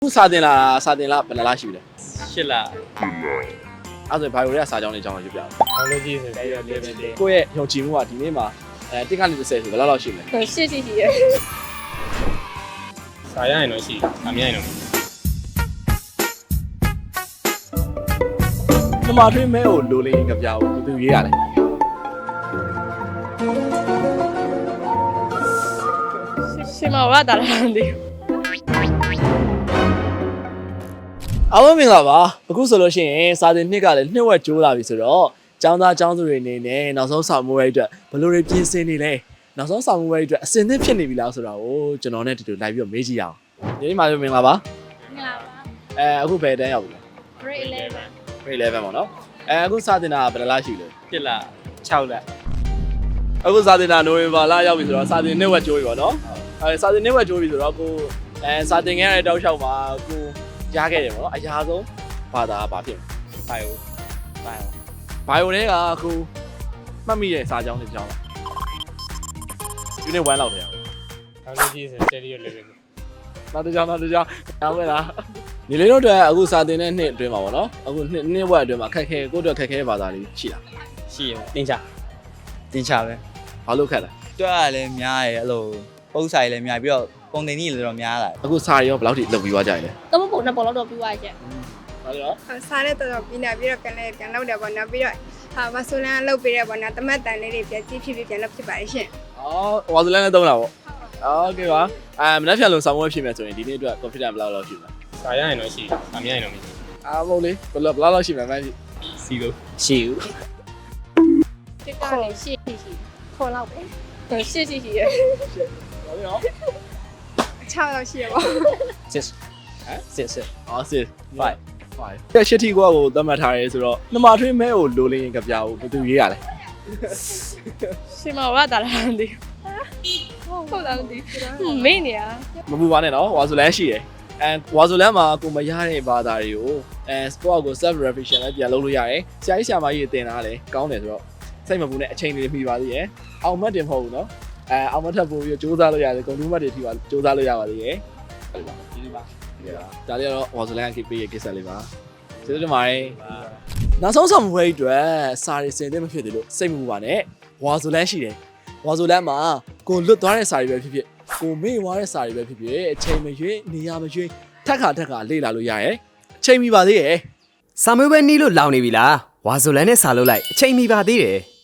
ခုစာတင်လာဘယ်နှလားရှိပြီလဲ 8လအဲ့ဆိုဘာလို့လဲစာကြောင်းလေးအကြောင်းကိုပြောပြအောင်ဘောလုံးကြီးဆိုပြီးတော့လေးပဲလေးကိုယ့်ရဲ့ယုံကြည်မှုကဒီနေ့မှာတစ်ကနေ30ဆိုဘယ်လောက်ရှိမလဲရှိရစာရရင်တော့ရှိအမြင်ရင်တော့ပမာထွေးမဲကိုလိုလေးကြပြဘူးသူရေးရလဲရှင်မဝတာလားမသိဘူးအားလုံးမင်္ဂလာပါအခုဆိုလို့ရှိရင်စာတင်နှစ်ကလည်းနှစ်ဝက်ကျိုးလာပြီဆိုတော့ကျောင်းသားကျောင်းသူတွေအနေနဲ့နောက်ဆုံးစာမိုးရိုက်အတွက်ဘယ်လိုတွေပြင်ဆင်နေလဲနောက်ဆုံးစာမိုးရိုက်အတွက်အစင်သင့်ဖြစ်နေပြီလားဆိုတာကိုကျွန်တော်နဲ့တူတူလိုက်ပြီးတော့မေးကြည့်ရအောင်ဒီနေ့မှမင်္ဂလာပါငါပါအခုဘယ်တန်းရောက်ပြီလဲ grade 11 grade 11ပေါ့နော်အခုစာတင်တာဘယ်နှလားရှိလဲ 8လ6လအခုစာတင်တာနိုဝင်ဘာလရောက်ပြီဆိုတော့စာတင်နှစ်ဝက်ကျိုးပြီပေါ့နော်စာတင်နှစ်ဝက်ကျိုးပြီဆိုတော့ကိုစာတင်ခဲ့ရတဲ့တောက်လျှောက်မှာကိုရခဲ့တယ်ပေါ့နော်အရာဆုံးဘာသာဘာဖြစ်လဲ ဘိုင်ယိုတွေကအခုမှတ်မိတဲ့စာကြောင်းတွေကြောင်းလား unit 1လောက်တည်းအောင်ဘောလုံးကြီးဆိုတယ်ရီလေးပဲနောက်တစ်ကြောင်းတောင်းမယ်လားညီလေးတို့အတွက်အခုစာတင်တဲ့နှစ်အတွင်းမှာပေါ့နော်အခုနှစ်ဝက်အတွင်းမှာခက်ခဲကိုယ့်အတွက်ခက်ခဲဘာသာတွေရှိလားရှိရတင်ချပဲဘာလို့ခက်လဲတွက်ရလည်းများတယ်အဲ့လိုပုံစံလည်းများပြီးတော့ပုံတင်ကြီးလည်းတော့များလာတယ်အခုစာရောဘယ်လောက်ထိလုပ်ပြီးသွားကြရလဲတော့ပုံနဲ့ပုံတော့ပြီးသွားရဲ့ဘာလို့စားတဲ့တော်ပြီးနေပြီးတော့ကန်လည်းပြန်လောက်တယ်ပေါ့နော်ပြီးတော့မဆိုလန်လုတ်ပေးတယ်ပေါ့နော်တမတ်တန်လေးတွေပြန်ကြည့်ဖြစ်ပြန်လောက်ဖြစ်ပါရဲ့ရှင်ဝါဇလန်နဲ့သုံးတာပေါ့โอเคပါမနေ့ပြန်လို့ဆောင်းဝဲဖြစ်မယ်ဆိုရင်ဒီနေ့အတွက် confident ဘယ်လောက်ရှိမလဲစာရရင်တော့ရှိအမြင်ရင်တော့မရှိမဟုတ်လေဘယ်လောက်ရှိမလဲမသိစီလို့ရှိဘူးတစ်ကနေရှိခေါ်လောက်ပဲရှိရဘာလို့ရော 6လောက်ရှိရပေါ့စစ်အော်စစ်5တဲ့ရှစ်ထီကွာကိုသတ်မှတ်ထားရဲဆိုတော့နှမထွေးမဲကိုလိုလင်းရင်ကြပြဘူးဘယ်သူရေးရလဲရှင်မဝတာလားမသိဘူးဟုတ်လားမသိဘူးမင်းနေရမပူပါနဲ့နော်ဝါဆိုလန်ရှိတယ်ဝါဆိုလန်မှာကိုမရတဲ့ဘာသာတွေကိုsport ကို self revision လည်းပြန်လုပ်လို့ရတယ်ဆရာကြီးဆရာမကြီးတင်တာလည်းကောင်းတယ်ဆိုတော့စိတ်မပူနဲ့အချိန်လေးမိပါသေးရဲ့အောင်မတ်တင်မဟုတ်ဘူးနော်အောင်မတ်ထပ်ပို့ပြီးစူးစမ်းလို့ရတယ်ကွန်တူးမတ်တွေထိပါစူးစမ်းလို့ရပါသေးရဲ့ဒီပါဒါလေးကတော့ဝါဆိုလန်ကိပေးရကိစ္စလေးပါကျေးဇူးတင်ပါတယ်နောက်ဆုံးဆောင်ဝဲအတွက်စာရီစင်တဲ့မဖြစ်သေးလို့စိတ်မပူပါနဲ့ဝါဆိုလန်ရှိတယ်ဝါဆိုလန်မှာကိုလွတ်သွားတဲ့စာရီပဲဖြစ်ဖြစ်ကိုမေ့သွားတဲ့စာရီပဲဖြစ်ဖြစ်အချိန်မရွေးနေရာမရွေးထက်ခါလေ့လာလို့ရတယ်အချိန်မီပါသေးရဲ့စာမေးပွဲနီးလို့လောင်နေပြီလားဝါဆိုလန်နဲ့စာလုပ်လိုက်အချိန်မီပါသေးတယ်